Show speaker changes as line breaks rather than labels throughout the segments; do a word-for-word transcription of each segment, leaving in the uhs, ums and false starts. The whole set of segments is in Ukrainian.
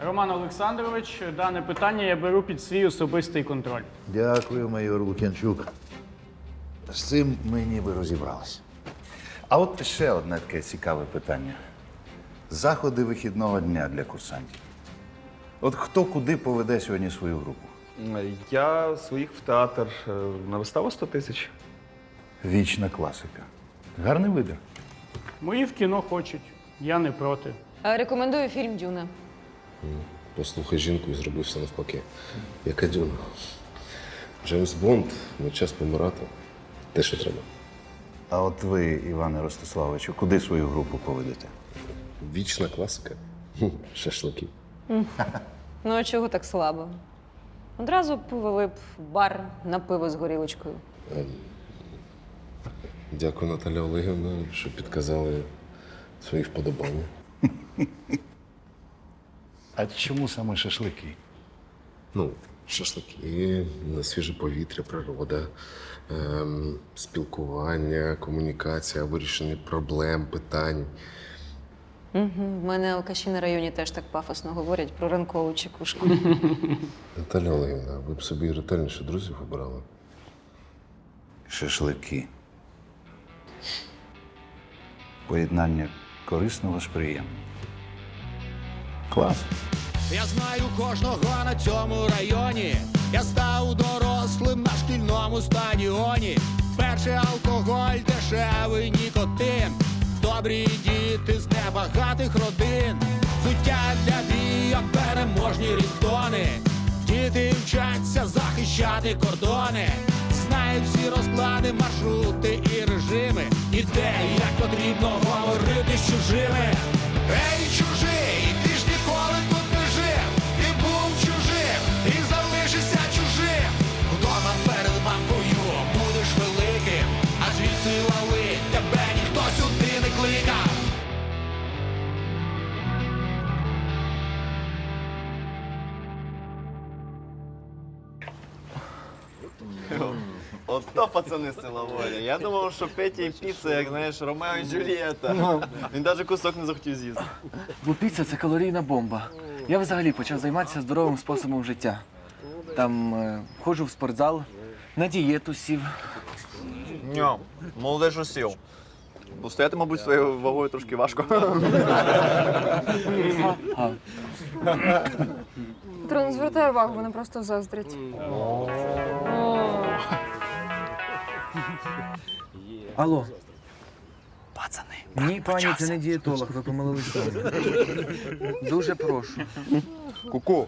Роман Олександрович, дане питання я беру під свій особистий контроль.
Дякую, майор Лук'янчук. З цим ми ніби розібралися. А от ще одне таке цікаве питання. Заходи вихідного дня для курсантів. От хто куди поведе сьогодні свою групу?
Я своїх в театр е, на виставу сто тисяч.
Вічна класика. Гарний вибір.
Мої в кіно хочуть, я не проти.
А, Рекомендую фільм «Дюна».
Послухай жінку і зроби все навпаки. Яка Дюна. Джеймс Бонд, не час помирати. Те, що треба.
А от ви, Іване Ростиславовичу, куди свою групу поведете?
Вічна класика. Хм, шашлики.
Ну, а чого так слабо? Одразу повели б в бар на пиво з горілочкою.
Дякую, Наталя Олегівна, що підказали свої вподобання.
А чому саме шашлики?
Ну, шашлики, на свіже повітря, природа, ем, спілкування, комунікація, вирішення проблем, питань.
Угу. В мене алкаші на районі теж так пафосно говорять про ранкову чекушку.
Наталя Олегівна, ви б собі ретельніше друзів обирали?
Шашлики. Поєднання корисного з приємним. Клас.
Я знаю кожного на цьому районі. Я став дорослим на шкільному стадіоні. Перший алкоголь, дешевий нікотин. Добрі діти з небагатих родин. Взуття для бійок, переможні рінгтони. Діти вчаться захищати кордони. Знають всі розклади, маршрути і режими. І де, і як потрібно говорити з чужими. Ей, чужий, ти ж ніколи тут не жив. Ти був чужим і залишишся чужим. Вдома перед мамкою будеш великим, а звідси лали тебе ніхто сюди не кликав.
Ото пацани з села Воля. Я думав, що Петя і піца, як знаєш, Ромео і Джульєта. Він навіть кусок не захотів з'їсти.
Бо піца – це калорійна бомба. Я взагалі почав займатися здоровим способом життя. Там е, ходжу в спортзал, на дієту сів.
Ньо, молодець що сів. Бо стояти, мабуть, своєю вагою трошки важко.
А,
Петро, не звертай увагу, вони просто заздрять.
алло. Пацани, ні, пані, це не дієтолог, ви помилились дома. Дуже прошу.
Ку-ку.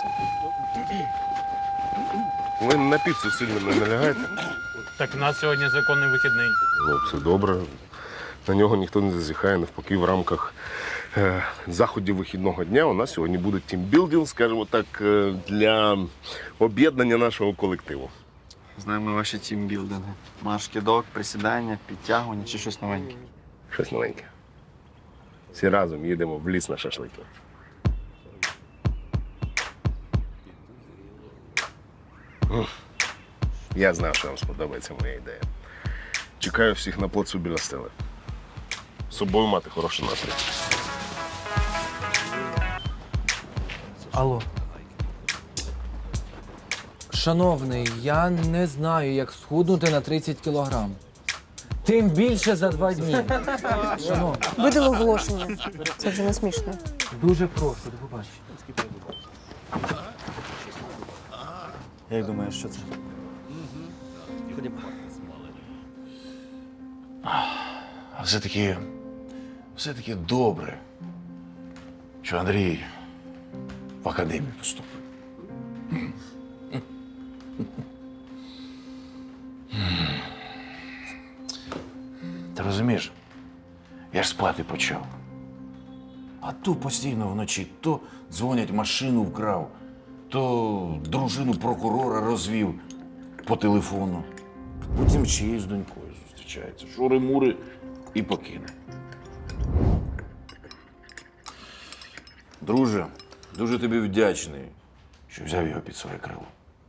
Ви на піцу сильно не налягаєте?
Так у нас сьогодні законний вихідний.
Ну, все добре. На нього ніхто не зазіхає. Навпаки, в рамках е, заходів вихідного дня у нас сьогодні буде тімбілдинг, скажімо так, е, для об'єднання нашого колективу.
Знаємо ваші тімбілдинги. Марш-кидок, присідання, підтягування чи щось новеньке.
Щось новеньке. Всі разом їдемо в ліс на шашлики. Ух. Я знав, що вам сподобається моя ідея. Чекаю всіх на плацу біля стели. З собою мати хороший настрій.
Алло. Шановний, я не знаю, як схуднути на тридцять кілограм. Тим більше за два дні. Шановний,
Видали оголошення. Це вже не смішно.
дуже прошу, до побачення.
Як думаєш, що це?
А все-таки, все-таки добре, що Андрій в академію поступив. Ти розумієш, я ж спати почав. А то постійно вночі то дзвонять, машину вкрав, то дружину прокурора розвів по телефону. Потім ще й з донькою зустрічається. Шури-мури і покине. Друже, дуже тобі вдячний, що взяв його під своє крило.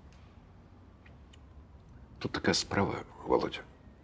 Тут така справа, Володя.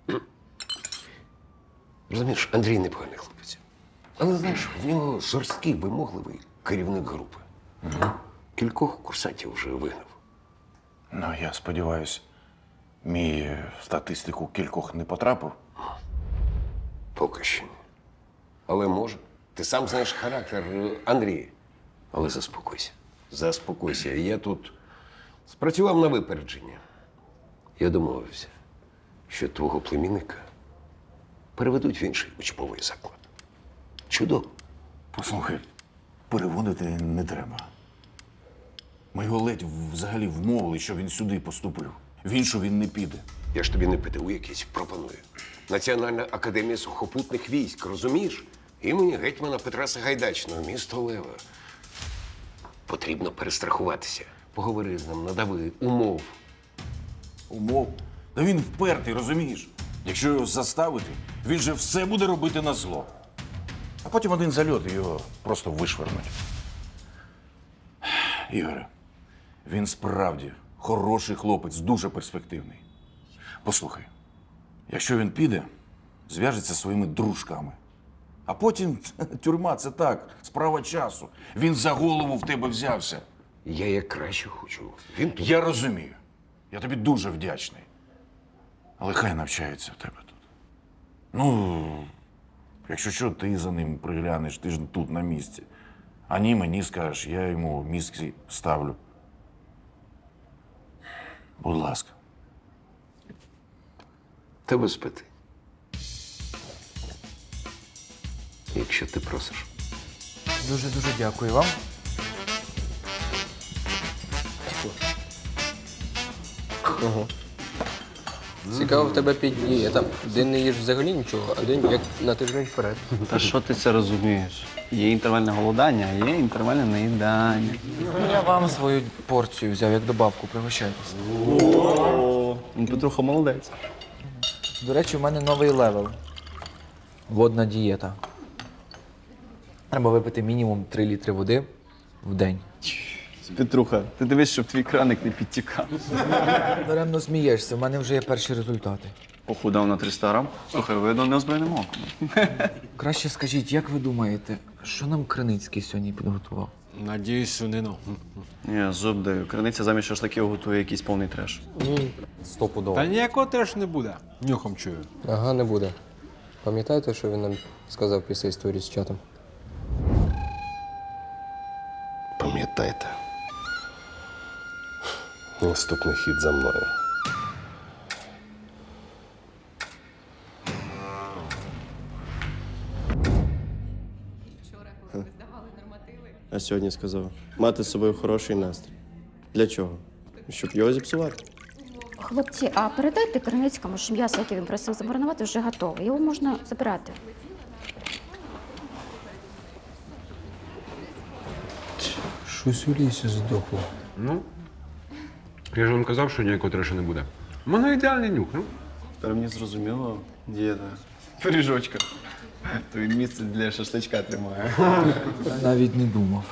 Розумієш, Андрій непоганий хлопець. Але знаєш, в нього жорсткий, вимогливий керівник групи.
Кількох курсантів вже вигнав.
Ну, я сподіваюся, мій в статистику кількох не потрапив.
Поки що ні. Але може. Ти сам знаєш характер е, Андрія. Але заспокойся. Заспокойся. Я тут спрацював на випередження. Я домовився, що твого племінника переведуть в інший учбовий заклад. Чудово.
Послухай, переводити не треба. Ми його ледь взагалі вмовили, що він сюди поступив. В іншу він не піде.
Я ж тобі не ПТУ якийсь пропоную. Національна академія сухопутних військ, розумієш? Імені гетьмана Петра Сагайдачного, місто Лева. Потрібно перестрахуватися. Поговори з ним, надави умов.
Умов. Та він впертий, розумієш? Якщо його заставити, він же все буде робити на зло. А потім один зальот і його просто вишвернуть. Ігоре, він справді хороший хлопець, дуже перспективний. Послухай, якщо він піде, зв'яжеться зі своїми дружками. А потім тюрма – це так, справа часу. Він за голову в тебе взявся.
Я як краще хочу. Він тут.
Я розумію. Я тобі дуже вдячний. Але хай навчається в тебе тут. Ну, якщо що, ти за ним приглянеш, ти ж тут на місці. А ні, мені скажеш, я йому мізки ставлю. Будь ласка.
Та без питань. Якщо ти просиш.
Дуже-дуже дякую вам.
Цікаво, в тебе п'ять днів. Там день не їж взагалі нічого, а день як на тиждень вперед.
Та що ти це розумієш? Є інтервальне голодання, а є інтервальне наїдання.
Я вам свою порцію взяв як добавку, пригощайтесь.
О, Петруха молодець.
До речі, у мене новий левел. Водна дієта. Треба випити мінімум три літри води в день.
Петруха, ти дивись, щоб твій краник не підтікав.
Даремно смієшся, в мене вже є перші результати.
Похудав на триста грам. Слухай, видно неозброєним оком.
Краще скажіть, як ви думаєте, що нам Криницький сьогодні підготував?
Надіюсь, свинину.
Я зуб даю. Криниця замість шашликів готує якийсь повний треш.
Стопудово.
Та ніякого теж не буде. Нюхом чую.
Ага, не буде. Пам'ятаєте, що він нам сказав після історії з чатом?
Пам'ятайте. Наступний хід за мною.
А сьогодні сказав, мати з собою хороший настрій. Для чого? Щоб його зіпсувати.
Хлопці, а передайте Криницькому, що м'ясо, яке він просив замаринувати, вже готове. Його можна забирати.
Щось у лісі здохло. Ну, я ж вам казав, що ніякого трешу не буде. У мене ідеальний нюх, ну.
Тепер мені зрозуміло, дієта. Пиріжочка. То він місце для шашличка тримає.
Навіть не думав.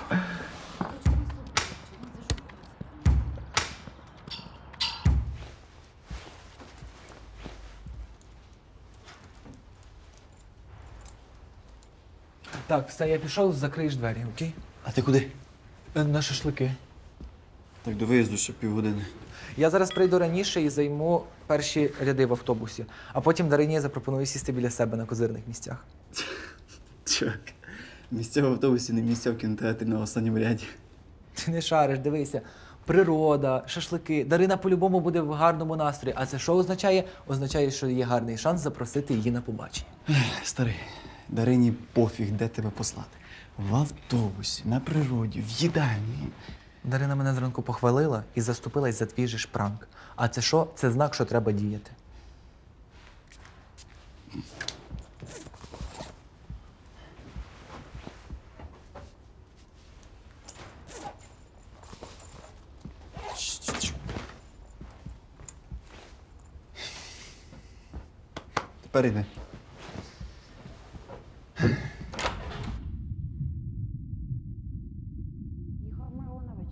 Так, все, я пішов, закриєш двері, окей?
А ти куди?
Е, На шашлики.
Так до виїзду ще півгодини.
Я зараз прийду раніше і займу перші ряди в автобусі, а потім Дарині запропоную сісти біля себе на козирних місцях.
Чувак, місця в автобусі, не місця в кінотеатрі на останньому ряді.
Ти не шариш, дивися. Природа, шашлики. Дарина по-любому буде в гарному настрої. А це що означає? Означає, що є гарний шанс запросити її на побачення.
Старий, Дарині пофіг, де тебе послати. В автобусі, на природі, в їдальні.
Дарина мене зранку похвалила і заступилась за твій же ж пранк. А це що? Це знак, що треба діяти.
Тепер іди.
Ігор Миронович.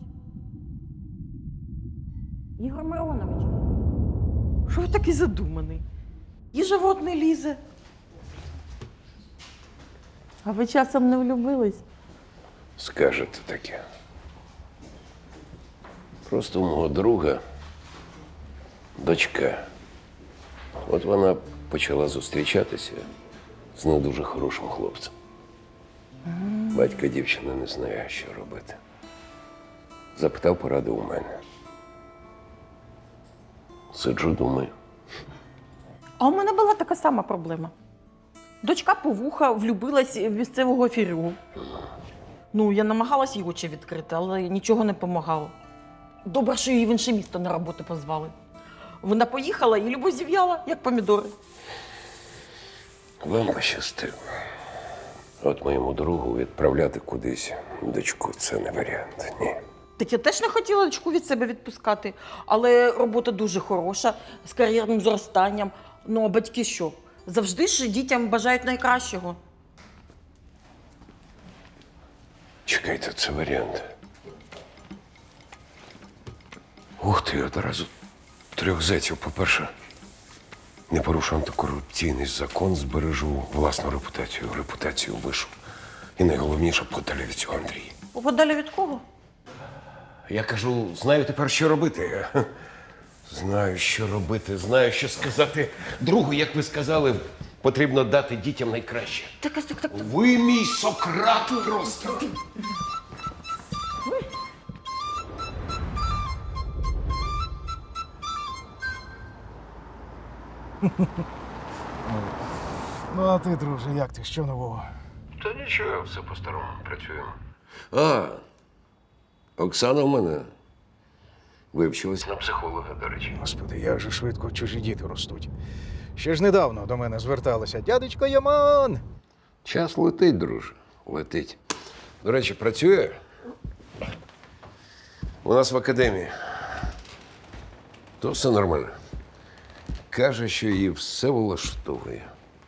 Ігор Миронович.
Що ви такий задуманий? І живот не лізе. А ви часом не влюбились?
Скажете таке. Просто у мого друга дочка. От вона почала зустрічатися з не дуже хорошим хлопцем. Батько дівчини не знає, що робити. Запитав поради у мене. Сиджу, думаю.
А у мене була така сама проблема. Дочка повуха влюбилась в місцевого фірю. Ну, я намагалась їй очі відкрити, але нічого не допомагало. Добре, що її в інше місто на роботу позвали. Вона поїхала і любов зів'яла, як помідори.
Вам пощастило. От моєму другу відправляти кудись дочку – це не варіант, ні.
Так я теж не хотіла дочку від себе відпускати, але робота дуже хороша, з кар'єрним зростанням. Ну, а батьки що? Завжди ж дітям бажають найкращого.
Чекайте, це варіант. Ух ти, одразу трьох зетів. По-перше, не порушу антикорупційний закон, збережу власну репутацію, репутацію вишу. І найголовніше, подалі від цього Андрія.
Подалі від кого?
Я кажу, знаю тепер, що робити. Знаю, що робити, знаю, що сказати. Другу, як ви сказали, потрібно дати дітям найкраще.
Так, так, так.
Ви мій Сократ просто.
Ну, а ти, друже, як ти? Що нового?
Та нічого, все по-старому працюємо. А, Оксана в мене вивчилась на психолога, до речі.
Господи, як же швидко чужі діти ростуть. Ще ж недавно до мене зверталися. Дядечко Яман!
Час летить, друже, летить. До речі, працює у нас в академії. То все нормально. Каже, що її все влаштовує.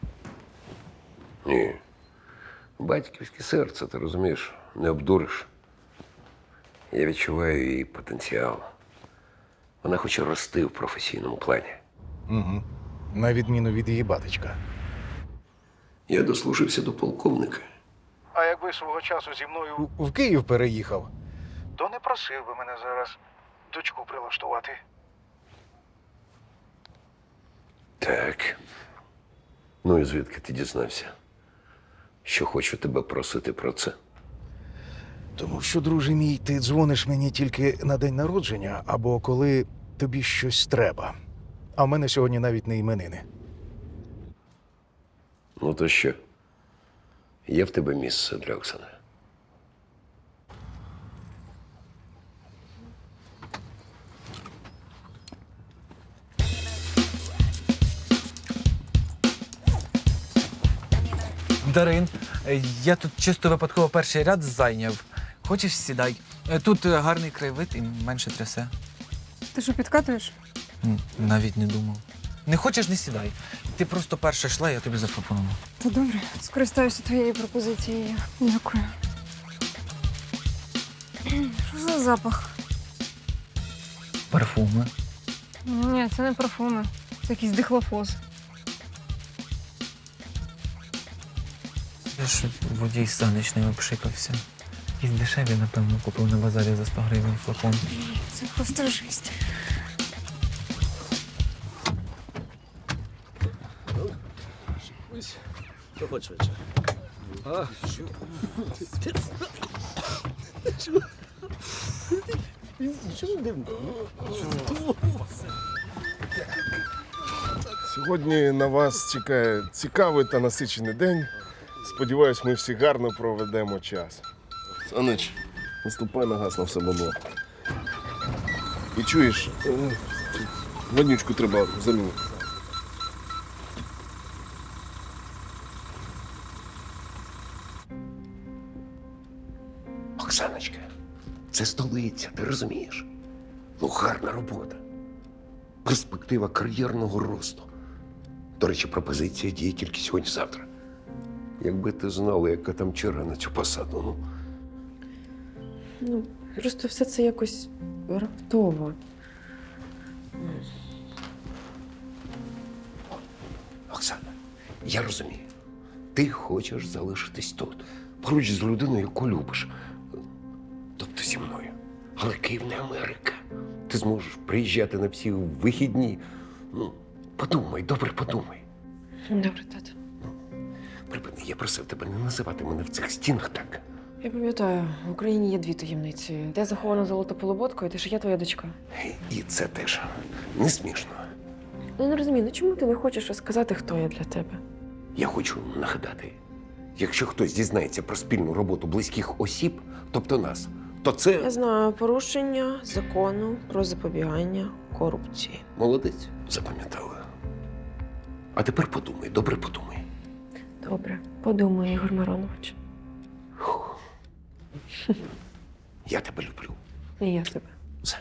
Ні. Батьківське серце, ти розумієш, не обдуриш. Я відчуваю її потенціал. Вона хоче рости в професійному плані.
Угу. На відміну від її батечка.
Я дослужився до полковника.
А якби свого часу зі мною в Київ переїхав, то не просив би мене зараз дочку прилаштувати.
Так. Ну і звідки ти дізнався? Що хочу тебе просити про це?
Тому що, друже мій, ти дзвониш мені тільки на день народження або коли тобі щось треба. А в мене сьогодні навіть не іменини.
Ну то що? Є в тебе місце для Оксани?
Дарин, е, я тут чисто випадково перший ряд зайняв. Хочеш, сідай. Е, Тут е, гарний краєвид і менше трясе.
Ти що, підкатуєш?
М, Навіть не думав. Не хочеш, не сідай. Ти просто перша йшла, я тобі запропонував.
Та добре, скористаюся твоєю пропозицією. Дякую. Що за запах?
Парфуми.
Ні, це не парфуми. Це якийсь дихлофоз.
Я ж водій сонячний обшикався. Якісь дешеві, напевно, купив на базарі за сто гривень флакон.
Це просто жесть.
Проходь швидше. А, що? Чому дивно?
Сьогодні на вас чекає цікавий та насичений день. Сподіваюсь, ми всі гарно проведемо час. Санич, наступай на газ на все бабло. І чуєш, е, воднючку треба замінити.
Оксаночка, це столиця, ти розумієш? Ну, гарна робота. Перспектива кар'єрного росту. До речі, пропозиція діє тільки сьогодні-завтра. Якби ти знала, яка там черга на цю посаду, ну.
Ну, просто все це якось раптово.
Оксана, я розумію. Ти хочеш залишитись тут, поруч з людиною, яку любиш. Тобто зі мною. Але Київ не Америка. Ти зможеш приїжджати на всі вихідні. Ну, подумай, добре подумай.
Добре, тато.
Припини, я просив тебе не називати мене в цих стінах так.
Я пам'ятаю, в Україні є дві таємниці. Де захована золота полуботка, і те, що я твоя дочка.
І це теж не смішно.
Ну, я не розумію, ну чому ти не хочеш розказати, хто я для тебе?
Я хочу нагадати, якщо хтось дізнається про спільну роботу близьких осіб, тобто нас, то це…
Я знаю порушення закону про запобігання корупції.
Молодець, запам'ятала. А тепер подумай, добре подумай.
Добре, подумай, Ігор Миронович.
Я тебе люблю.
І я тебе.
Все.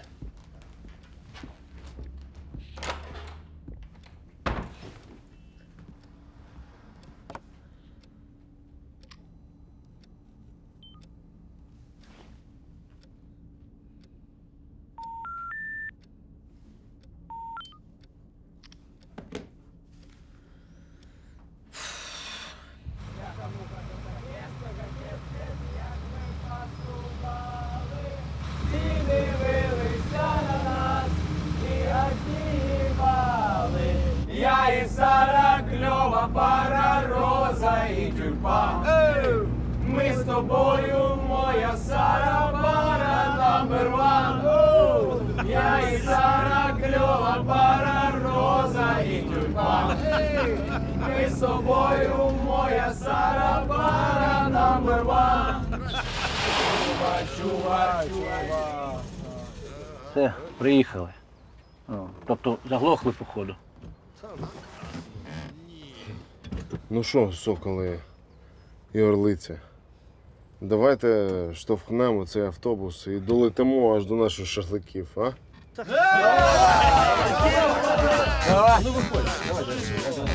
Я і Сара, кльова пара, роза і тюльпан. Ми з тобою, моя Сара, пара номер ван. Я і Сара, кльова пара, роза і тюльпан. Ми з тобою, моя Сара, пара номер ван. Чува, чува, чува.
Все, приїхали. О, тобто заглохли, походу.
Ну що, соколи і орлиця, давайте штовхнемо цей автобус і долетимо аж до наших шашликів, а?
Ну виходь, давай, давай.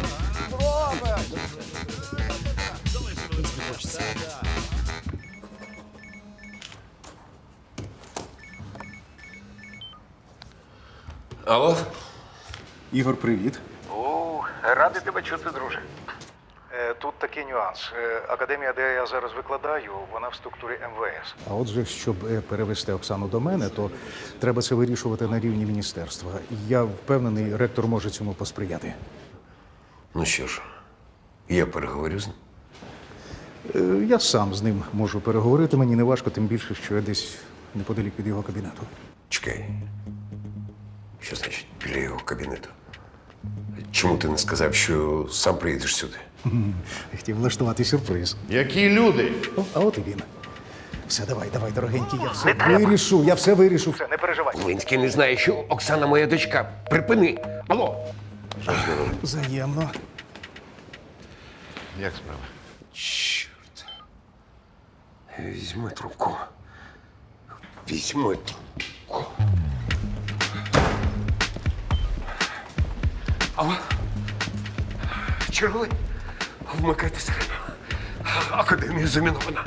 Алло?
Ігор, привіт.
О, радий тебе чути, друже. Е, Тут такий нюанс. Е, Академія, де я зараз викладаю, вона в структурі ем ве ес.
А отже, щоб е, перевести Оксану до мене, то треба це вирішувати на рівні міністерства. Я впевнений, ректор може цьому посприяти.
Ну що ж, я переговорю з ним.
Е, Я сам з ним можу переговорити, мені не важко, тим більше, що я десь неподалік від його кабінету.
Чекай. Що значить біля його кабінету? Чому ти не сказав, що сам приїдеш сюди?
Хотів влаштувати сюрприз.
Які люди?
О, а от і він. Все, давай, давай, дорогенький, я все вирішу, я все вирішу.
Все, не переживай.
Линський не знає, що Оксана моя дочка. Припини! Алло!
Взаємно.
Як справа?
Чорт. Візьми трубку. Візьми трубку. Алло? Черговий? Вмикайте сирену. Академія замінована.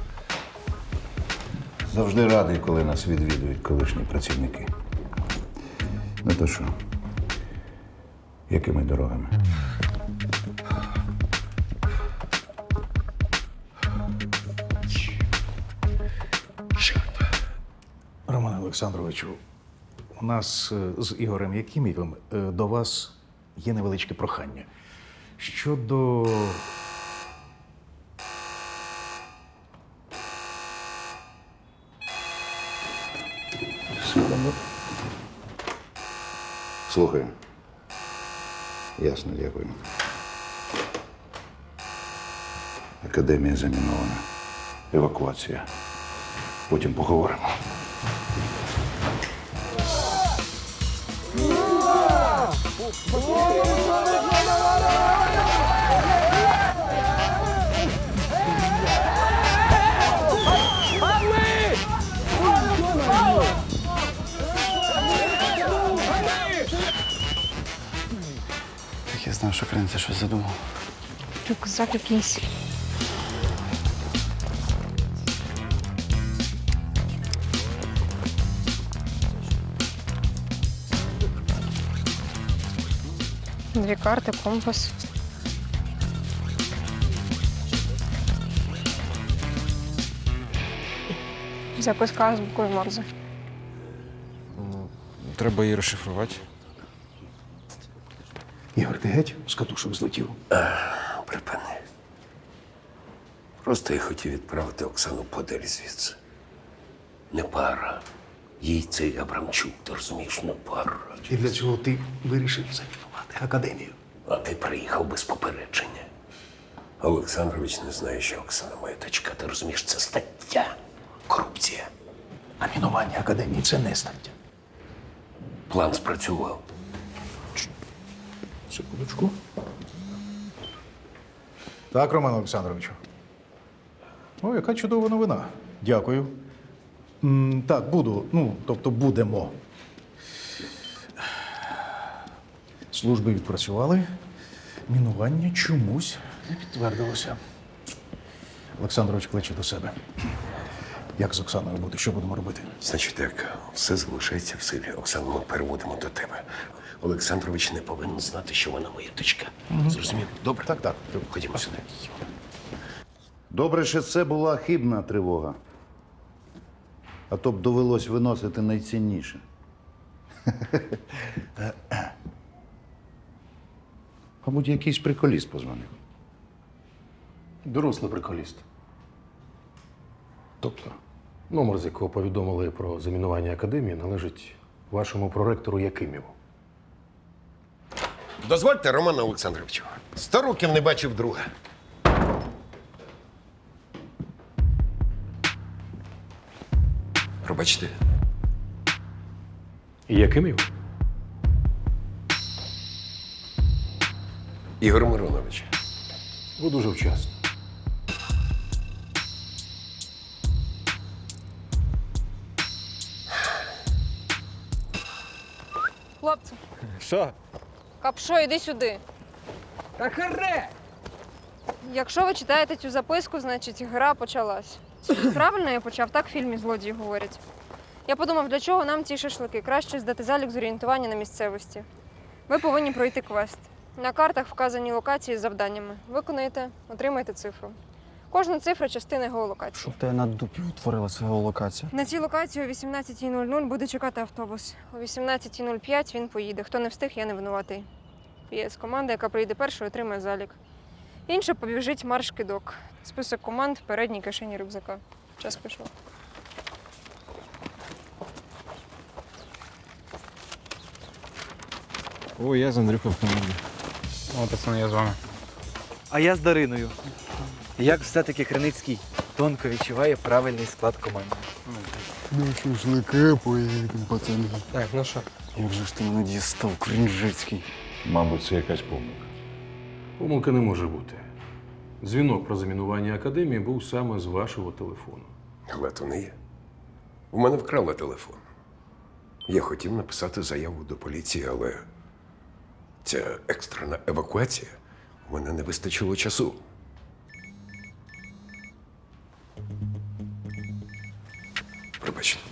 Завжди радий, коли нас відвідують колишні працівники. Ну то що? Якими дорогами?
Романе Олександровичу, у нас е, з Ігорем Якимєвим е, до вас є невеличке прохання. Щодо.
Секунду. Слухаю. Ясно, дякую. Академія замінована. Евакуація. Потім поговоримо.
Так я знав, що Кринця щось задумав.
Рюкзак якийсь. Дві карти, компас. Записка з буквою Морзе.
треба її розшифрувати.
Ігор, ти геть з катушок злетів?
Припини. Просто я хотів відправити Оксану подалі звідси. Не пара. Їй цей Абрамчук, ти розумієш, не пара.
І для цього ти вирішив замінувати академію.
А ти приїхав без попередження. Олександрович не знає, що Оксана моя дочка. Ти розумієш, це стаття. Корупція.
А мінування академії це не стаття.
План спрацював.
Секундочку. Так, Роман Олександровичу. О, яка чудова новина. Дякую. М, так, буду. Ну, тобто будемо. Служби відпрацювали. Мінування чомусь не підтвердилося. Олександрович кличе до себе. Як з Оксаною буде? Що будемо робити?
Значить так, все залишається в силі. Оксану ми переводимо до тебе. Олександрович не повинен знати, що вона моя дочка. Зрозумів? Добре?
Так, так.
Ходімо сюди.
Добре, що це була хибна тривога. А то б довелось виносити найцінніше. Мабуть, якийсь приколіст позвонив.
Дорослий приколіст.
Тобто?
Номер, з якого повідомили про замінування академії, належить вашому проректору Якиміву.
Дозвольте, Романа Олександровичу. Сто років не бачив друга. Пробачте.
Якимів?
Ігор Миронович.
Ви дуже вчасно.
Хлопці,
Що?
Капшо, іди сюди.
Та харе!
Якщо ви читаєте цю записку, значить гра почалась. Правильно я почав, так в фільмі злодії говорять. Я подумав, для чого нам ці шашлики? Краще здати залік з орієнтування на місцевості. Ви повинні пройти квест. На картах вказані локації з завданнями. Виконуєте, отримаєте цифру. Кожна цифра – частина геолокації.
Щоб тебе на дупі утворилася геолокація.
На цій локації о вісімнадцятій нуль нуль буде чекати автобус. О вісімнадцятій нуль п'ять він поїде. Хто не встиг, я не винуватий. Є команда, яка прийде першою, отримає залік. Інша побіжить марш-кидок. Список команд в передній кишені рюкзака. Час пішов.
О, я з Андрюхою в команді.
О, пацани, я з вами.
А я з Дариною. Як все-таки Криницький тонко відчуває правильний склад команди.
Ну, шашлики поїдемо, пацани.
Так, ну що?
Як же ж ти мене дістав, Кринжицький?
Мабуть, це якась помилка.
Помилки не може бути. Дзвінок про замінування академії був саме з вашого телефону.
Але то не є. У мене вкрали телефон. Я хотів написати заяву до поліції, але ця екстрена евакуація, у мене не вистачило часу. Пробачте.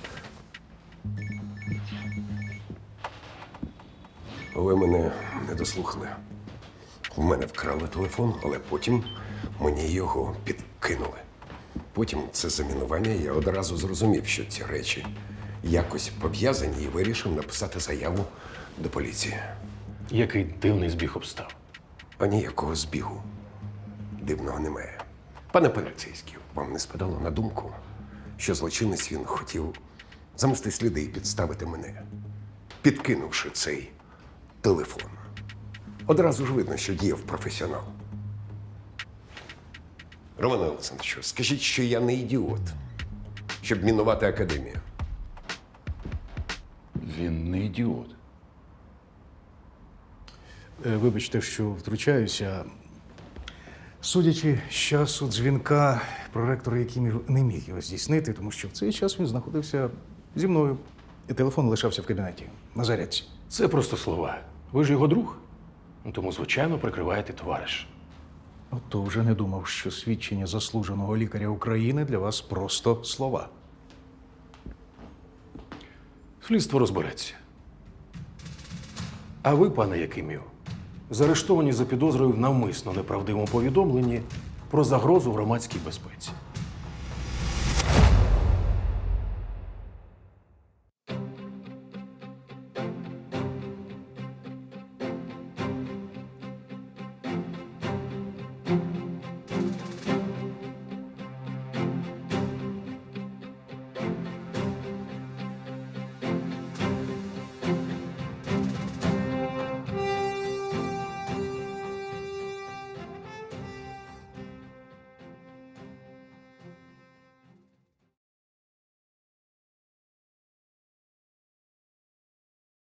Ви мене не дослухали. У мене вкрали телефон, але потім мені його підкинули. Потім це замінування, я одразу зрозумів, що ці речі якось пов'язані і вирішив написати заяву до поліції.
Який дивний збіг обстав.
А ніякого збігу дивного немає. Пане поліцейський, вам не спадало на думку, що злочинець він хотів замести сліди і підставити мене, підкинувши цей телефон. Одразу ж видно, що діяв професіонал. Романе Олександровичу, скажіть, що я не ідіот, щоб мінувати академію.
Він не ідіот.
Е, Вибачте, що втручаюся. Судячи з часу дзвінка, проректор Якимів не міг його здійснити, тому що в цей час він знаходився зі мною. І телефон лишався в кабінеті на зарядці.
Це просто слова. Ви ж його друг. Ну, тому, звичайно, прикриваєте товариш.
Ото вже не думав, що свідчення заслуженого лікаря України для вас просто слова.
Слідство розбереться. А ви, пане Якимів, заарештовані за підозрою в навмисно неправдивому повідомленні про загрозу громадській безпеці.